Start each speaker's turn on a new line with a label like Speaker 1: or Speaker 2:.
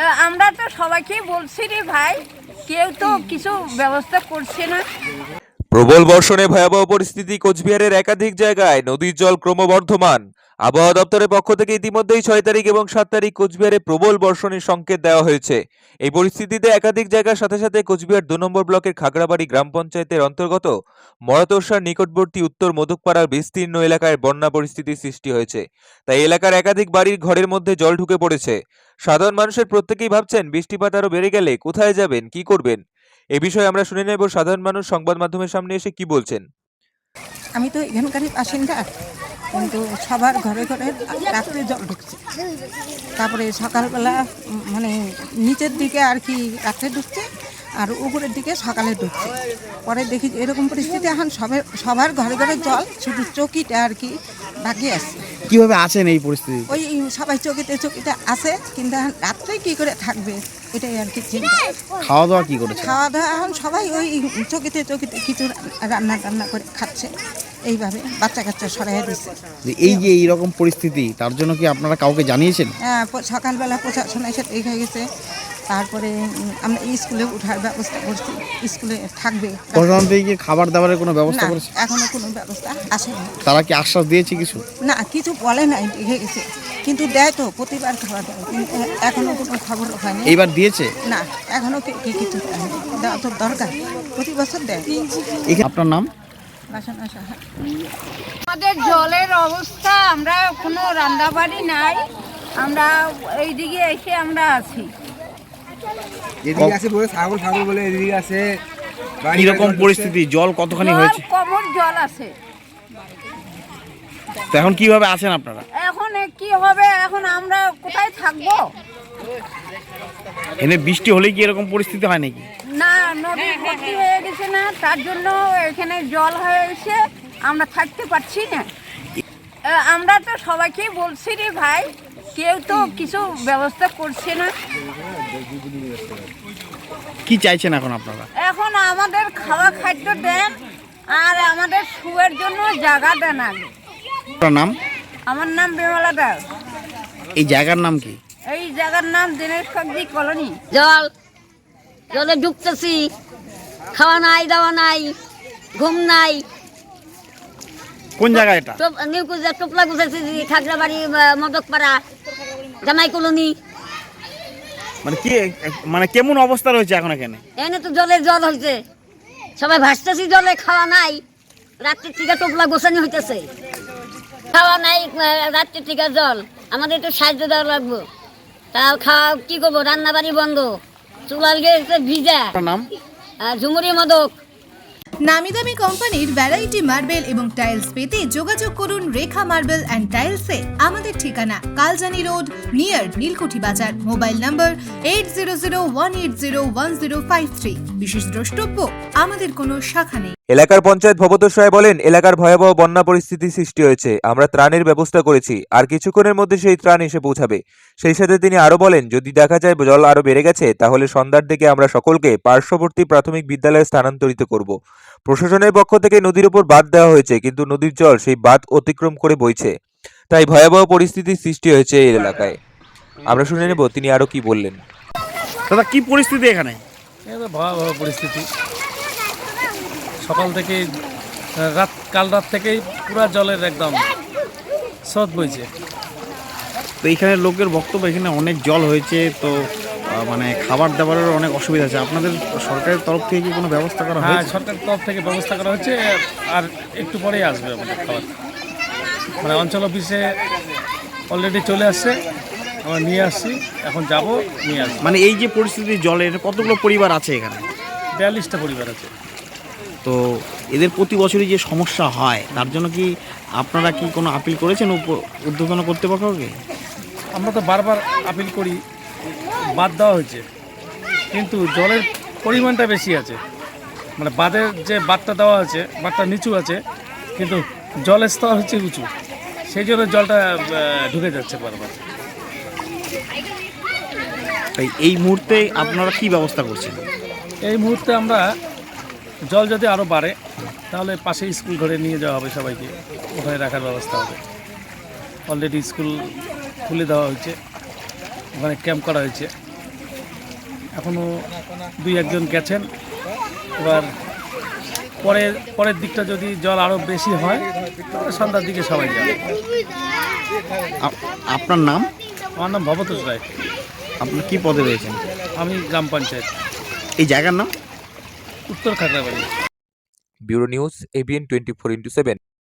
Speaker 1: আমরা তো সবাইকেই বলছি রে ভাই, কেউ তো কিছু ব্যবস্থা করছে না।
Speaker 2: প্রবল বর্ষণে ভয়াবহ পরিস্থিতি কোচবিহারের একাধিক জায়গায়, নদীর জল ক্রমবর্ধমান। আবহাওয়া দপ্তরের পক্ষ থেকে ইতিমধ্যেই 6 তারিখ এবং 7 তারিখ কোচবিহারে প্রবল বর্ষণের সংকেত দেওয়া হয়েছে। এই পরিস্থিতিতে একাধিক জায়গার সাথে সাথে কোচবিহার 2 নম্বর ব্লকের খাগড়াবাড়ি গ্রাম পঞ্চায়েতের অন্তর্গত মরাতোরসার নিকটবর্তী উত্তর মধুকপাড়ার বিস্তীর্ণ এলাকায় বন্যা পরিস্থিতির সৃষ্টি হয়েছে। তাই এলাকার একাধিক বাড়ির ঘরের মধ্যে জল ঢুকে পড়েছে। সাধারণ মানুষের প্রত্যেকেই ভাবছেন বৃষ্টিপাত আরো বেড়ে গেলে কোথায় যাবেন, কি করবেন। এ বিষয়ে আমরা শুনে নেব সাধারণ মানুষ সংবাদ মাধ্যমের সামনে এসে কি বলছেন।
Speaker 3: আমি তো এখানকারই বাসিন্দা, কিন্তু সবার ঘরে ঘরে রাত্রে জল ঢুকছে, তারপরে সকালবেলা মানে নিচের দিকে আর কি রাত্রে ঢুকছে, আর উপরের দিকে সকালে ঢুকছে। পরে দেখি এরকম পরিস্থিতি, এখন সবার ঘরে ঘরে জল, শুধু চকিটা আর কি বাকি আছে।
Speaker 4: কিভাবে আছেন এই পরিস্থিতি?
Speaker 3: ওই সবাই চকিতে আছে, কিন্তু এখন রাত্রে কি করে থাকবে এটাই আর কি চিন্তা।
Speaker 4: খাওয়া দাওয়া কি করেছে?
Speaker 3: খাওয়া দাওয়া এখন সবাই ওই চকিতে কিছু রান্না করে খাচ্ছে, এইভাবে বাচ্চা কাচ্চা সরাই দিচ্ছে।
Speaker 4: এই যে এইরকম পরিস্থিতি, তার জন্য কি আপনারা কাউকে জানিয়েছেন?
Speaker 3: হ্যাঁ, সকালবেলা প্রশাসন এসে দেখে গেছে, তারপরে আমরা স্কুলে ওঠার ব্যবস্থা করছি, স্কুলে থাকবে।
Speaker 4: প্রশাসন থেকে কি খাবার দাবারের কোনো ব্যবস্থা করেছে?
Speaker 3: এখনো কোনো ব্যবস্থা আসেনি।
Speaker 4: তারা কি আশ্বাস দিয়েছে কিছু?
Speaker 3: না, কিছু বলে নাই, দেখে গেছে, কিন্তু দেয় তো প্রতিবার খাবার দেয়, কিন্তু এখনো কোনো খবর হয়নি।
Speaker 4: এইবার দিয়েছে
Speaker 3: না, এখনো কিছু দেওয়া তো দরকার, প্রতি বছর দেয়।
Speaker 4: আপনার নাম?
Speaker 1: আমাদের জলের অবস্থা, আমরা কোনো রান্নাবাড়ি নাই, আমরা এইদিকে এসে আমরা আছি।
Speaker 5: এদিকে আছে বলে ছাগল বলে এদিকে আছে।
Speaker 4: কিরকম পরিস্থিতি, জল কতখানি হয়েছে?
Speaker 1: কমর জল আছে।
Speaker 4: তো এখন কিভাবে আছেন আপনারা?
Speaker 1: এখন কি হবে, এখন আমরা কোথায় থাকবো?
Speaker 4: এনে বৃষ্টি হলে কি এরকম পরিস্থিতি হয় নাকি?
Speaker 1: না, নদী ভর্তি হয়ে গেছে না, তার জন্য এখানে জল হয়ে গেছে, আমরা থাকতে পারছি না। আমরা তো সবাইকেই বলছি রে ভাই, কেউ তো কিছু ব্যবস্থা করছে না।
Speaker 4: কি চাইছেন এখন আপনারা?
Speaker 1: এখন আমাদের খাওয়া খাদ্য দেন, আর আমাদের শুয়ের জন্য জায়গা দেন আগে।
Speaker 4: আপনার নাম?
Speaker 1: আমার নাম বিমলা দাস।
Speaker 4: এই জায়গার নাম কি?
Speaker 1: এই জায়গার নাম দিনেশ কাকজি কলোনি।
Speaker 6: জলে ঢুকতেছি, খাওয়া নাই, দাওয়া নাই, ঘুম নাই।
Speaker 4: কোন জায়গা এটা?
Speaker 6: নিউকুজা টোপলা গুছাইছি, খাগড়াবাড়ি মদকপাড়া জামাই কলোনি।
Speaker 4: মানে কেমন অবস্থা রয়েছে এখন এখানে?
Speaker 6: এনে তো জল হয়েছে, সবাই ভাসতেছি জলে, খাওয়া নাই, রাত্রির থেকে টোপলা গোছানি হইতেছে, খাওয়া নাই, রাত্রির থেকে জল। আমাদের একটু সাহায্য দেওয়া লাগবে। তাও খাওয়া কি করবো, রান্না বাড়ি বন্ধ, চুলাল গেছে ভিজা।
Speaker 4: নাম?
Speaker 6: ঝুমুরি মদক।
Speaker 7: নামি দামি কোম্পানির ভ্যারাইটি মার্বেল এবং টাইলস পেতে যোগাযোগ করুন রেখা মার্বেল অ্যান্ড টাইলসে। আমাদের ঠিকানা Kaljani road, near Neelkuthi Bazar. Mobile number 8001801053। বিশেষ দ্রষ্টব্য, আমাদের কোনো শাখা নেই।
Speaker 2: এলাকার পঞ্চায়েত ভবতোষ রায় বলেন, এলাকার ভয়াবহ বন্যা পরিস্থিতি সৃষ্টি হয়েছে, আমরা ত্রাণের ব্যবস্থা করেছি, আর কিছুক্ষণের মধ্যে সেই ত্রাণ এসে পৌঁছাবে। সেই সাথে তিনি আরো বলেন, যদি দেখা যায় জল আরো বেড়ে গেছে, তাহলে সন্ধ্যার দিকে আমরা সকলকে পার্শ্ববর্তী প্রাথমিক বিদ্যালয়ে স্থানান্তরিত করব। প্রশাসনের পক্ষ থেকে নদীর উপর বাঁধ দেওয়া হয়েছে, কিন্তু নদীর জল সেই বাঁধ অতিক্রম করে বইছে, তাই ভয়াবহ পরিস্থিতির সৃষ্টি হয়েছে এই এলাকায়। আমরা শুনে নেব তিনি আরো কি বললেন।
Speaker 4: দাদা, কি পরিস্থিতি এখানে?
Speaker 8: ভয়াবহ পরিস্থিতি, সকাল থেকে কাল রাত থেকেই পুরা জলের একদম স্রোত বইছে।
Speaker 4: তো এখানে লোকের বক্তব্য, এখানে অনেক জল হয়েছে, তো মানে খাবার দাবারের অনেক অসুবিধা আছে। আপনাদের সরকারের তরফ থেকে কি কোনো ব্যবস্থা করা হয়েছে?
Speaker 8: হ্যাঁ, সরকারের তরফ থেকে ব্যবস্থা করা হচ্ছে, আর একটু পরেই আসবে আমাদের খাবার। মানে অঞ্চল অফিসে অলরেডি চলে আসছে, আমরা নিয়ে আসছি, এখন যাব নিয়ে আসছি।
Speaker 4: মানে এই যে পরিস্থিতি জলের, কতগুলো পরিবার আছে এখানে?
Speaker 8: 42টা পরিবার আছে।
Speaker 4: তো এদের প্রতি বছরই যে সমস্যা হয়, তার জন্য কি আপনারা কি কোনো আপিল করেছেন ঊর্ধ্বতন কর্তৃপক্ষকে?
Speaker 8: আমরা তো বারবার আপিল করি, বাদ দেওয়া হয়েছে, কিন্তু জলের পরিমাণটা বেশি আছে। মানে বাঁধের যে বাঁধটা দেওয়া আছে, বাঁধটা নিচু আছে, কিন্তু জলের স্তর হচ্ছে উঁচু, সেই জন্য জলটা ঢুকে যাচ্ছে বারবার।
Speaker 4: তাই এই মুহূর্তে আপনারা কি ব্যবস্থা করছেন?
Speaker 8: এই মুহূর্তে আমরা জল যদি আরও বাড়ে, তাহলে পাশে স্কুল ঘরে নিয়ে যাওয়া হবে, সবাইকে ওখানে রাখার ব্যবস্থা হবে। অলরেডি স্কুল খুলে দেওয়া হয়েছে, ওখানে ক্যাম্প করা হয়েছে, এখনও 2-1 গেছেন। এবার পরের দিকটা যদি জল আরও বেশি হয় তাহলে সন্ধ্যার দিকে সবাই যাবে।
Speaker 4: আপনার নাম?
Speaker 8: আমার নাম ভবতোষ রায়,
Speaker 4: আপনি কি পদে রয়েছেন?
Speaker 8: আমি গ্রাম পঞ্চায়েত
Speaker 4: এই জায়গার নাম?
Speaker 8: উত্তর খাগড়াবাড়ি।
Speaker 2: Bureau news, ABN 24/7।